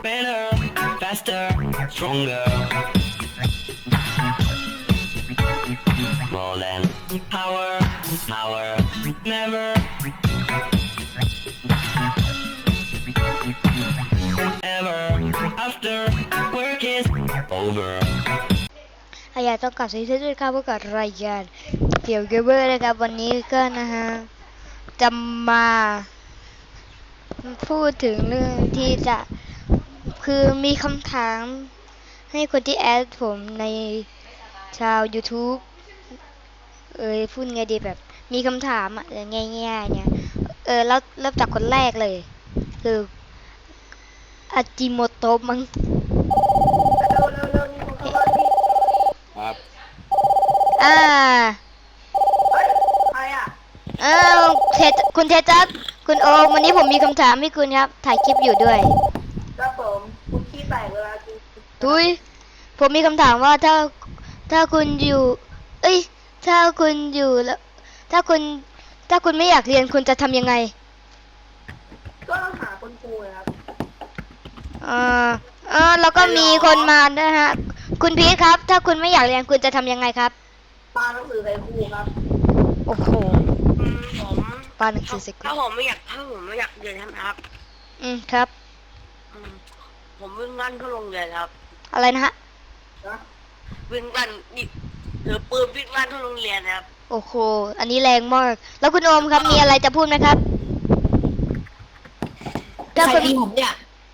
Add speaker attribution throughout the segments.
Speaker 1: better, faster, stronger. More than power, power, never. Ever after work is over.
Speaker 2: อยากต้องกลับสวัสดีด้วยครับพบกับรายการเกี่ยวกับเบอร์นะครับวันนี้ก็นะฮะจะมาพูดถึงเรื่องที่จะคือมีคำถามให้คนที่แอดผมในชาว YouTube พูดไงดีแบบมีคำถามง่ายๆเนี่ยแล้วเริ่มจากคนแรกเลยคืออาจิโมโตะมั้ง
Speaker 3: ครับ
Speaker 2: อ่า
Speaker 4: ใครอ่ะ
Speaker 2: อ้าวคุณเทจัสคุณโอมวันนี้ผมมีคำถามให้คุณครับถ่ายคลิปอยู่ด้วย
Speaker 4: ครับผมคุณขี้แตกเวลากิน
Speaker 2: ทุยผมมีคำถามว่าถ้าคุณอยู่ถ้าคุณอยู่แล้วถ้าคุณไม่อยากเรียนคุณจะทำยังไง
Speaker 4: ก็ต้องหาคนครูนะครับ
Speaker 2: แล้วก็มีคนมานะฮะคุณพีทครับ ถ้าคุณไม่อยากเรียนคุณจะทำยังไงครับ
Speaker 4: ปาหนังสือใส่ครูครับ
Speaker 2: โอ้โห
Speaker 5: ผม
Speaker 2: ปาหนังสือสิ
Speaker 5: ถ้าผมไม่อยากเรียนใช่ไหมครับ
Speaker 2: ครับ
Speaker 5: อืมผมวิ่งลั่นเข้าโรงเรียนครับ
Speaker 2: อะไรนะฮะ
Speaker 4: นะ
Speaker 5: วิ่งลั่นนี่ถือปืนวิ่งลั่นเข้าโรงเรียนนะครับ
Speaker 2: โอ้โหอันนี้แรงมากแล้วคุณโอมครับมีอะไรจะพูดไหมครับถ้าคุณ
Speaker 4: ผมเนี่ย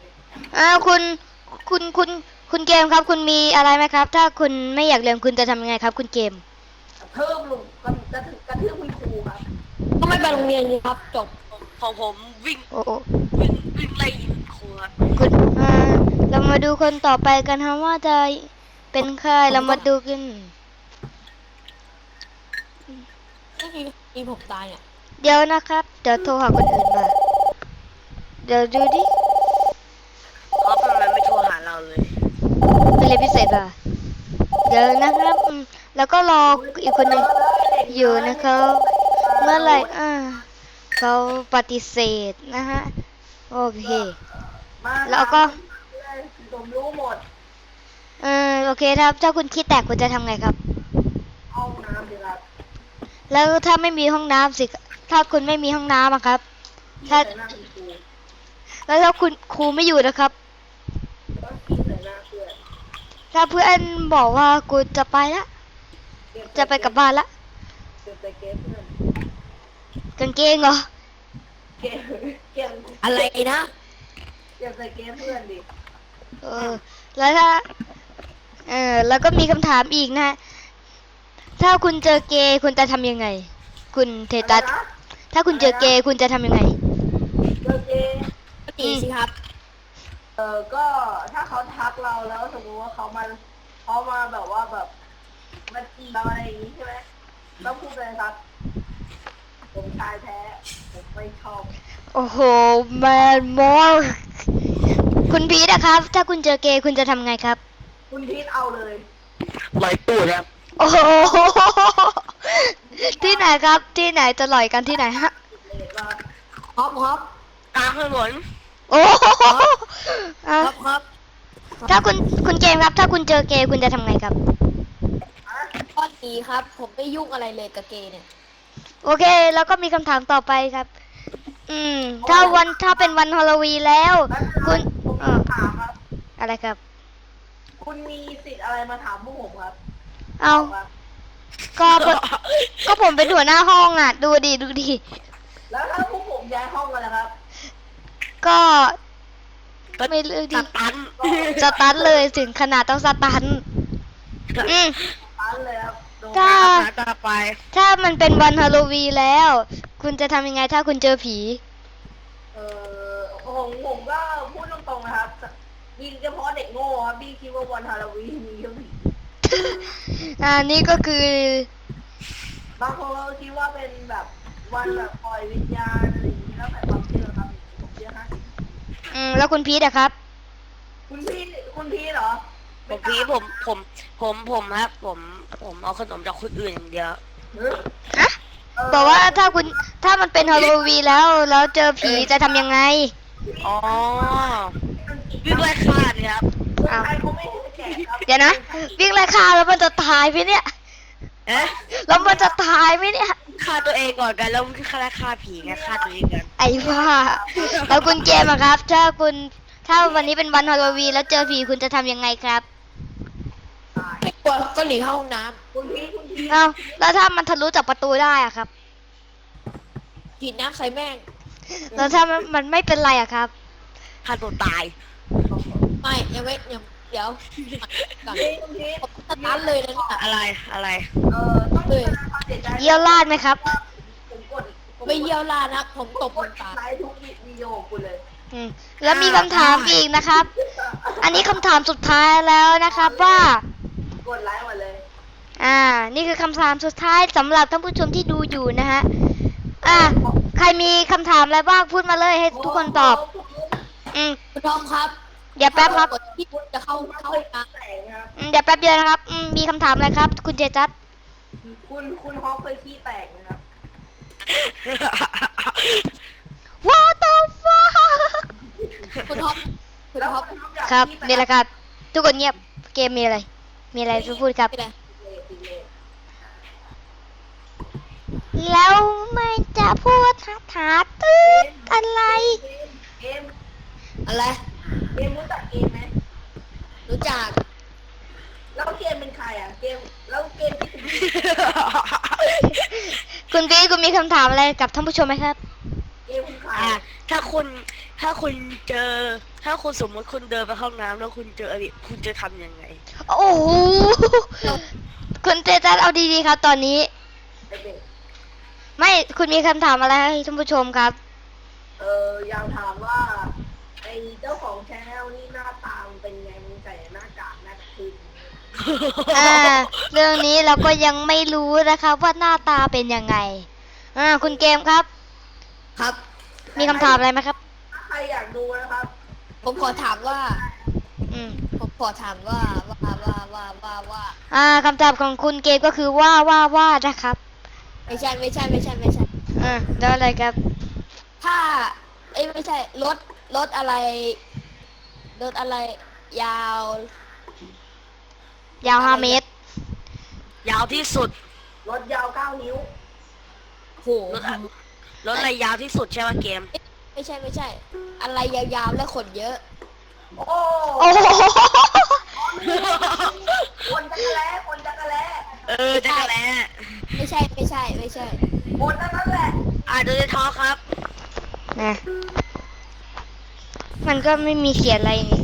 Speaker 2: คุณเกมครับ คุณมีอะไรไหมครับ ถ้าคุณไม่อยากเรียนคุณจะทำยังไงครับ คุณเกม
Speaker 4: เพิ่มลุงกระทืบคุณครูครับ
Speaker 6: ก็ไม่ไปโรงเรียนดีครับจบ
Speaker 5: ของผมวิ่ง
Speaker 2: โอ้โอ้
Speaker 5: วิ่งไล่ยิงครูครับ
Speaker 2: คุณเรามาดูคนต่อไปกันครับว่าจะเป็นใครเรามาดูกัน
Speaker 6: ที่ผมตายเนี่ย
Speaker 2: เดี๋ยวนะครับ เดี๋ยวโทรหาคนอื่นมาเดี๋ยวดูดิ
Speaker 5: ครับทำไมไม่โทรหาเราเลย
Speaker 2: เป็นเรียนพิเศษเหรอเดี๋ยวนะครับแล้วก็รออีกคนหนึ่งอยู่นะครับเมื่อไหร่เขาปฏิเสธนะฮะโอเค
Speaker 4: มา
Speaker 2: แล้วก็
Speaker 4: ผมรู้หมด
Speaker 2: โอเคครับถ้าคุณคิดแตกคุณจะทำไงครับ
Speaker 4: ห้องน้ำดีครับ
Speaker 2: แล้วถ้าไม่มีห้องน้ำสิถ้าคุณไม่มีห้องน้ำอะครับ ถ้า
Speaker 4: ใส่หน้าคุณครู
Speaker 2: แล้วถ้าคุณครูไม่อยู่นะครับ
Speaker 4: ก็ขี้ใส่หน้าเพื่อน
Speaker 2: ถ้าเพื่อนบอกว่ากูจะไปละจะไปกลับบ้านละ
Speaker 4: เก็บใส่เกมเพื่อน
Speaker 2: กางเกงเหรอ
Speaker 4: เก็บเก็บ
Speaker 6: อะไรนะ
Speaker 4: เก็บใส่เกมเพื่อนดิ
Speaker 2: แล้วถ้าแล้วก็มีคำถามอีกนะ ถ้าคุณเจอเกย์คุณจะทำยังไง คุณเทตัส
Speaker 4: อะไรนะ
Speaker 2: ถ้าคุณเจอเกย์คุณจะทำยังไง
Speaker 4: เจอเกม
Speaker 6: ก็ดีสิครับ
Speaker 4: ก็ถ้าเขาทักเราแล้วสมมติว่าเขามาแบบว่าแบบมาจีบเราอะไรอย่างนี้ใช่ไหมต้องพูดเลยครับ ผมชายแท้ผมไม่ชอบ
Speaker 2: โอ้โหแมนมอลคุณพีทนะครับ ถ้าคุณเจอเกย์คุณจะทำไงครับ
Speaker 4: คุณพีทเอาเลย
Speaker 5: ลอยตู้ครับ
Speaker 2: โอ้โหที่ไหนครับ ที่ไหนจะลอยกันที่ไหนฮะ
Speaker 4: เลยว่า
Speaker 6: ครับ
Speaker 5: กลางถนน
Speaker 2: โอ้โหอ่ะ
Speaker 6: ครับ
Speaker 2: ถ้าคุณเกมครับ ถ้าคุณเจอเกย์คุณจะทำไงครับ
Speaker 6: ก็ดีครับ ผมไม่ยุ่งอะไรเลยกับเกย์เนี่ย
Speaker 2: โอเค แล้วก็มีคำถามต่อไปครับ ถ้าเป็นวันฮาโลวีนแล้ว คุณ
Speaker 4: ผมถามครับ
Speaker 2: อะไรครับ
Speaker 4: คุณมีสิทธิ์อะไรมาถามพวกผมครับ
Speaker 2: เอา
Speaker 4: ครับ
Speaker 2: ก็ผมเป็นหัวหน้าห้องอ่ะ ดูดิ
Speaker 4: แล้วถ้าพวกผมย้ายห้องกันนะครับ
Speaker 2: ก็ไม่เลือกดิ
Speaker 5: ตัน
Speaker 2: สตันเลยถึงขนาดต้องสตันอืม
Speaker 4: ตันเลยครับโดน
Speaker 2: ถ้า
Speaker 5: ต่อไป
Speaker 2: ถ้ามันเป็นวันฮาโลวีนแล้ว คุณจะทำยังไงถ้าคุณเจอผี
Speaker 4: ผมก็พูดตรงๆนะครับยิงเฉพาะเด็กโง่ครับพี่คิดว่าวันฮาโลวีนมีแค่ผี
Speaker 2: นี่ก็คือ
Speaker 4: บางคนก็คิดว่าเป็นแบบวันแบบปล่อยวิญญาณอะไรอย่างนี้แล้วแต่ความเชื่อครับผมเชื่อ50
Speaker 2: แล้วคุณพีทอะครับ
Speaker 4: คุณพี่เหรอ
Speaker 5: ผมพี่ผมครับผมเอาขนมจากคนอื่นอย่างเดียว
Speaker 2: บอกว่าถ้ามันเป็นฮาโลวีนแล้วเจอผีจะทำยังไง
Speaker 5: อ๋อ
Speaker 4: กางเก
Speaker 5: วิ่งไล่ฆ่าเนี่ยครับ
Speaker 4: คนไทยเขาไม่ให้แจกครับ
Speaker 2: เดี๋ยวนะ วิ่งไล่ฆ่าแล้วมันจะตายไหมเนี่ย
Speaker 5: เอ๊ะ
Speaker 2: แล้วมันจะตายไหมเนี่ย
Speaker 5: ฆ่าตัวเองก่อนกันแล้วฆ่าผีไงฆ่าตัวเองกัน
Speaker 2: ไอ้ว่าแล้วคุณเกมอะครับ ถ้าวันนี้เป็นวันฮาโลวีนแล้วเจอผีคุณจะทำยังไงครับ
Speaker 6: ไม่กลัวก็หนีเข้าห้องน้
Speaker 4: คุณพี่
Speaker 2: เอ้าแล้วถ้ามันทะลุจากประตูได้อะครับ
Speaker 6: ำฉีดน้ำใส่แม่ง
Speaker 2: แล้วถ้ามันไม่เป็นไรอะครับ
Speaker 5: ฆ่าตัวตาย
Speaker 6: ไม่ยังไม่ยังเดี๋ยวก่อน
Speaker 4: คุณพี่
Speaker 6: ผมสตาร์ทเลยนะเนี่ย
Speaker 5: อะไร
Speaker 4: ต้องมีความเสียใจ
Speaker 2: เยี่ยวลาดไหมครับ
Speaker 4: ผมกด
Speaker 6: ไม่เยี่ยวลาดนะครับผมตบ
Speaker 4: ก
Speaker 6: มุ
Speaker 4: ด
Speaker 6: นตา
Speaker 4: ไลค์ทุกวิดีโอของคุณเลย
Speaker 2: อืมแล้วมีคำถามอีกนะครับ อันนี้คำถามสุดท้ายแล้วนะครับว่า
Speaker 4: กดไลค์หมดเลย
Speaker 2: นี่คือคำถามสุดท้ายสำหรับท่านผู้ชมที่ดูอยู่นะฮะ ใครมีคำถามอะไรบ้างพูดมาเลยให้ทุกคนตอบ อืม
Speaker 6: คุณทอมครับ
Speaker 2: เดี๋ยวแป๊บครับ
Speaker 6: กดที่จะเข้าห้องน้
Speaker 4: แสงครับ
Speaker 2: เดี๋ยวแป๊บเดียวนะครับ มีคำถามอะไรครับ คุณเจจัด
Speaker 4: คุณฮอปเคยขี้แตกนะครับ
Speaker 2: What the fuck
Speaker 6: ำคุณทอมคุณ
Speaker 4: แล้ว
Speaker 6: ทอม
Speaker 4: คุณฮอปอยาก
Speaker 2: ครับ
Speaker 4: ขี้แตก
Speaker 2: นี่แหละครับ ทุกคนเงียบ เกมมีอะไร มีอะไรจะพูดครับ
Speaker 6: ไม่ได้
Speaker 2: แล้วมันจะพูดถาตืดอะไร
Speaker 4: เกม
Speaker 6: อะไร
Speaker 4: เกมรู้จักเกมไหม
Speaker 6: รู้จัก
Speaker 4: แล้วเกมเป็นใครอ่ะ เกม แล้วเกมที่คุณ
Speaker 2: คุณพีทคุณมีคำถามอะไรกับท่านผู้ชมไหมครับ
Speaker 4: เกมคุณใคร
Speaker 5: ถ้าคุณเจอ ถ้าคุณสมมติคุณเดินไปห้องน้ำแล้วคุณเจออริคุณจะทำยังไง
Speaker 2: โอ้โห คุณเจจัดเอาดีๆครับ ตอนนี้
Speaker 4: ไอ้เด็ก
Speaker 2: ไม่ คุณมีคำถามอะไรให้ท่านผู้ชมครับ
Speaker 4: อยากถามว่า ไอ้เจ้าของแชนแนลนี่หน้าตามันเป็นไงมึงใส่หน้ากากหน้าคืน
Speaker 2: เรื่องนี้เราก็ยังไม่รู้นะครับว่าหน้าตาเป็นยังไง คุณเกมครับ
Speaker 6: ครับ
Speaker 2: มีคำถามอะไรไหมครับ
Speaker 4: ถ้าใครอยากดูนะครับ
Speaker 6: ผมขอถามว่า
Speaker 2: อืม
Speaker 6: ผมขอถามว่า
Speaker 2: คำตอบของคุณเกมก็คือว่านะครับ
Speaker 6: ไม่ใช่
Speaker 2: แล้วอะไรครับ
Speaker 6: ถ้าไม่ใช่รถอะไรยาว
Speaker 2: ยาว5 เมตร
Speaker 5: ยาวที่สุด
Speaker 4: รถยาว 9 นิ้ว
Speaker 6: โห
Speaker 5: รถอะไรยาวที่สุดใช่ไหมเกม
Speaker 6: ไม่ใช่ อะไรยาวๆและขนเยอะ
Speaker 4: โอ้
Speaker 2: โอ้โห
Speaker 4: คนจักรแล้คนจักรแล้
Speaker 5: จักรแล้
Speaker 6: ไม่ใช่
Speaker 4: คนนั่นแหละ
Speaker 5: โดยท้อครับ
Speaker 2: นะมันก็ไม่มีเขียนอะไรนี่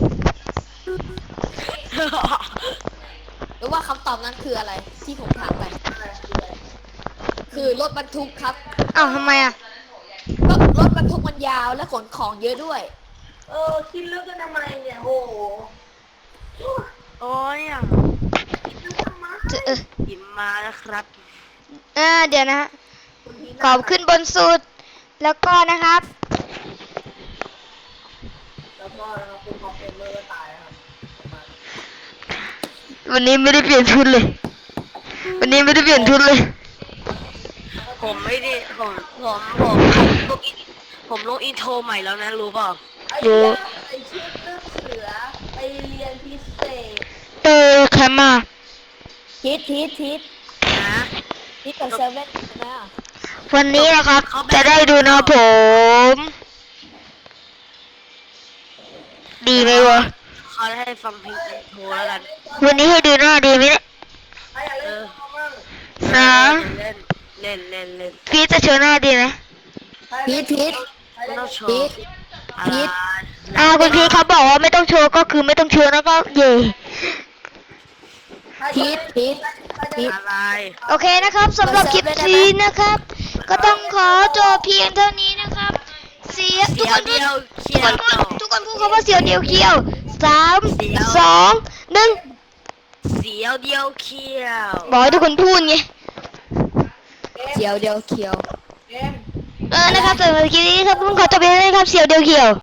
Speaker 6: หรือว่าคำตอบนั้นคืออะไร ที่ผมถามไป คือรถบรรทุกครับ
Speaker 2: อ้าวทำไมอ่ะ
Speaker 6: ก็รถบรรทุกมันยาวและขนของเยอะด้วย
Speaker 4: คิดลึกกันทำไมเนี่ย โอ้โห
Speaker 5: โอ้ยอ่ะ หิมมาแล้วครับ
Speaker 2: เดี๋ยวนะฮะขอบขึ้นบนสุด แล้วก็นะครับ
Speaker 4: แล้วก็คุณฮอปเปเมอร์ก็ตายนะครับ
Speaker 2: วันนี้ไม่ได้เปลี่ยนชุดเลย
Speaker 5: ผมไม่ได้ผมลงอินโทรใหม่แล้วนะรู้เปล่า
Speaker 4: ไอ้เหี้ยไอ้ชื่อลูกเสือไปเรียนพิเศษ
Speaker 2: แคมมา
Speaker 6: ทิศ
Speaker 5: นะ
Speaker 6: กับเซเว่นนะ
Speaker 2: วันนี้นะครับ จะได้ดูนะผม ดีไหมวะ
Speaker 5: เขาให้ฟังเพลงอินโทรแล้วกัน
Speaker 2: วันนี้ให้ดูหน้าดีไหมเนี่ย
Speaker 4: ใครอยากเล่นเขาบ้าง
Speaker 2: นะ
Speaker 5: เล่น
Speaker 2: พี่จะโชว์หน้าดีไหม
Speaker 6: ทิศ
Speaker 5: ไม่ต้องโช
Speaker 6: พี
Speaker 5: ว์
Speaker 6: ท
Speaker 5: อะไร
Speaker 2: คุณพี่เขาบอกว่าไม่ต้องโชว์ก็คือไม่ต้องโชว์แล้วก็เย่
Speaker 6: ทิศ
Speaker 5: อะไร
Speaker 2: โอเคนะครับสำหรับคลิปนี้นะครับ ก็ต้องขอจบเพียงเท่านี้นะครับ ทุ
Speaker 5: เสี
Speaker 2: ก
Speaker 5: ย
Speaker 2: คน
Speaker 5: เดียวเขียว
Speaker 2: ทุกคนพูดคำว่าเสียวเดียวเคียว3 2 1
Speaker 5: เสียวเดียวเขียว
Speaker 2: บอกให้ทุกคนพูดไง
Speaker 6: เขียวเดียวเขียว
Speaker 4: เกม
Speaker 2: นะครับสำหรับคลิปนี้ครับต้องขอจบเพียงเท่านี้ครับเสียวเดียวเคียว